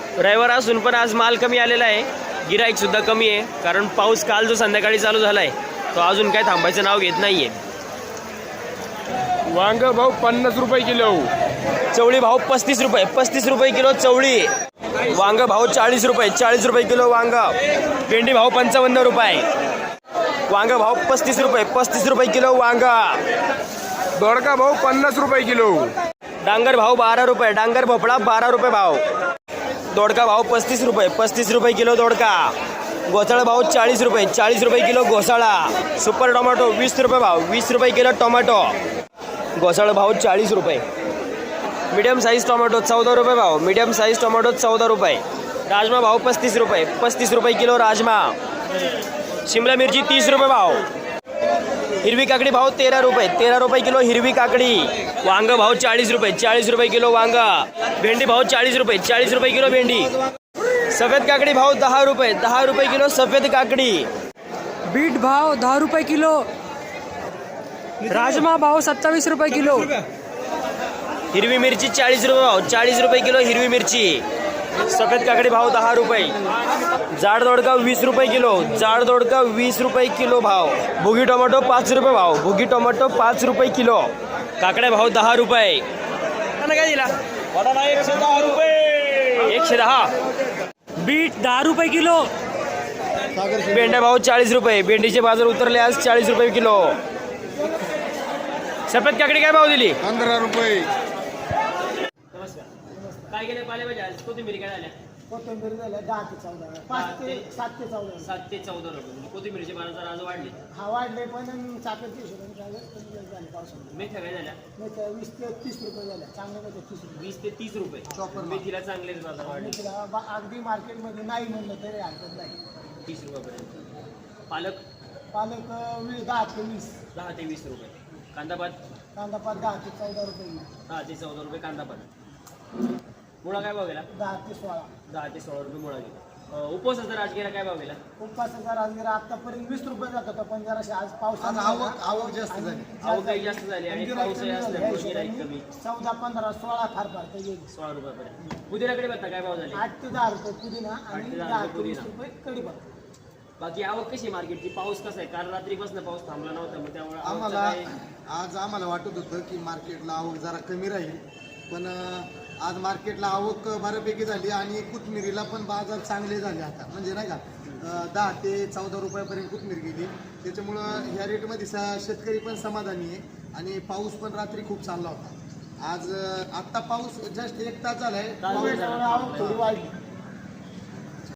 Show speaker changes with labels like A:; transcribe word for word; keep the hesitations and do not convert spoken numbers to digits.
A: रविवार असून पण आज माल कमी आलेला आहे, गिराईक सुद्धा कमी आहे, कारण पाऊस काल जो संध्याकाळी चालू झाला आहे तो अजून काय थांबायचं नाव घेत नाहीये।
B: वांग भाऊ पन्नास रुपये किलो,
A: चवळी भाव पस्तीस रुपये पस्तीस रुपये किलो चवळी। वांग भाव चाळीस रुपये चाळीस रुपये किलो वांग। भेंडी भाव पंचावन्न रुपये, वांग भाव पस्तीस रुपये पस्तीस रुपये किलो वांग।
B: दोडका भाऊ पन्नास रुपये किलो,
A: डांगर भाव बारा रुपये, डांगर भोपळा बारा रुपये भाव। दोडका भाव पस्तीस रुपये पस्तीस रुपये किलो दोडका। घोसाळा भाव चाळीस रुपये चाळीस रुपये किलो घोसाळा। सुपर टोमॅटो वीस रुपये भाव वीस रुपये किलो टोमॅटो। घोसाळा भाव चाळीस रुपये। मीडियम साईज टोमॅटो चौदा रुपये भाव, मीडियम साईज टोमॅटो चौदा रुपये। राजमा भाव पस्तीस रुपये पस्तीस रुपये किलो राजमा। शिमला मिरची तीस रुपये भाव। हिरवी काकडी भाव तेरा रुपये तेरा रुपये किलो हिरवी काकडी। वांग भाव चाळीस रुपये चाळीस रुपये किलो वांग। भेंडी भाव चाळीस रुपये चाळीस रुपये किलो भेंडी। सफेद काकडी भाव दहा रुपये दहा रुपये किलो सफेद काकडी।
C: बीट भाव दहा रुपये किलो। राजमा भाव सत्तावीस रुपये किलो।
A: हिरवी मिरची चाळीस रुपये भाव चाळीस रुपये किलो हिरवी मिरची। सफेद काकडी भाव दहा रुपये। जाड दोडका वीस रुपये किलो जाड दोडका वीस रुपये किलो भाव। भुगी टोमॅटो पाच रुपये भाव भुगी टोमॅटो पाच रुपये किलो। काकड्या भाव दहा रुपये। काय दिला एकशे दहा रुपये एकशे दहा।
C: बीट दहा रुपये किलो।
A: भेंड्या भाव चाळीस रुपये भेंडीचे बाजार उतरले आज चाळीस रुपये किलो। सफेद काकडी काय भाव दिली
B: पंधरा रुपये।
A: काय गेले पालेभाज्या कोथिंबीर काय झाल्या
D: कोथिंबीर झाल्या दहा ते चौदा पाच ते सात ते चौदा
A: सात ते चौदा रुपये। कोथिंबीरचे बाजार आज वाढले
D: हा वाढले पण चाकरची हिशोबाने झाले पावसामध्ये
A: मेथ्या काय झाल्या
D: मेथ्या वीस ते तीस रुपये झाल्या चांगल्या मेथ्या तीस रुपये
A: वीस ते तीस रुपये मेथीला चांगले बाजार वाढले
D: मेथीला बा- अगदी मार्केटमध्ये नाही म्हणलं तरी हरकत नाही
A: तीस रुपयापर्यंत। पालक
D: पालक वीस दहा ते वीस
A: दहा ते वीस रुपये। कांदा पात
D: कांदा पात दहा ते चौदा रुपये
A: दहा ते चौदा रुपये कांदा पात। मुळा काय भाव गेला
D: दहा ते सोळा
A: दहा ते सोळा रुपये मुळा गेला। उपवासाचा राजगिरा काय भाव गेला
D: उपवासाचा राजगिरा आतापर्यंत वीस रुपये जात होता पण जराशी आज पावसानं
E: आवक आवक जास्त झाली
A: आवक काही जास्त झाली आणि पाऊसही असल्यामुळे गिऱ्हाईक कमी।
D: चौदा पंधरा सोळा फार फार तर येईल
A: सोळा रुपयापर्यंत। पुदिनाकडे बघता काय भाव झाले
D: आठ ते दहा रुपये पुदिना
A: आठ
D: आणि
A: ते दहा
D: दहा
A: रुपये
D: ते वीस
A: पुदिना।
D: रुपये कढीपत्ता।
A: बाकी आवक कशी मार्केटची पाऊस कसा आहे काल रात्रीपासून पाऊस थांबला नव्हता मग त्यामुळे आवकचं
E: आम्हाला
A: काय-
E: आज आम्हाला वाटत होतं की मार्केटला आवक जरा कमी राहील, पण अं, आज मार्केटला आवक बऱ्यापैकी झाली आणि कोथमिरीला पण बाजार चांगले झाले आता, म्हणजे नाही का अं, दहा ते चौदा रुपयापर्यंत कोथमीर गेली। त्याच्यामुळं ह्या रेटमध्ये सा शेतकरी पण समाधानी आहे आणि पाऊस पण रात्री खूप चांगला होता। आज अं, आत्ता पाऊस जस्ट एक तास झालाय,
A: तास
D: आवक थोडी वाढली